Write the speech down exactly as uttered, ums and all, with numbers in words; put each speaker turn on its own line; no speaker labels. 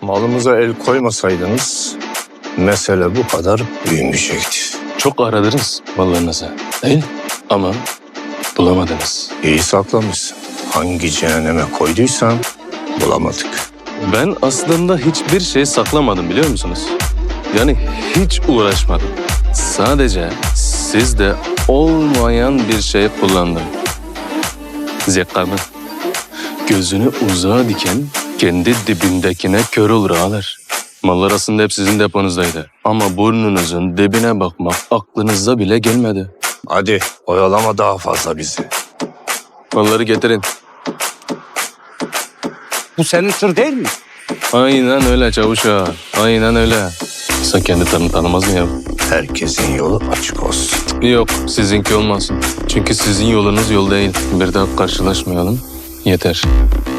Malımıza el koymasaydınız mesele bu kadar büyümeyecekti.
Çok aradınız mallarınızı değil ama bulamadınız.
İyi saklamışsın. Hangi cehenneme koyduysan bulamadık.
Ben aslında hiçbir şey saklamadım biliyor musunuz? Yani hiç uğraşmadım. Sadece sizde olmayan bir şey kullandım. Zekamı. Gözünü uzağa diken kendi dibindekine kör olur ağalar. Mallar aslında hep sizin deponuzdaydı. Ama burnunuzun dibine bakmak aklınıza bile gelmedi.
Hadi oyalama daha fazla bizi.
Malları getirin.
Bu senin tır değil mi?
Aynen öyle çavuş ağa. Aynen öyle. Sen kendi tanı tanımaz mı ya?
Herkesin yolu açık olsun.
Yok, sizinki olmasın. Çünkü sizin yolunuz yol değil. Bir daha karşılaşmayalım. Yeter.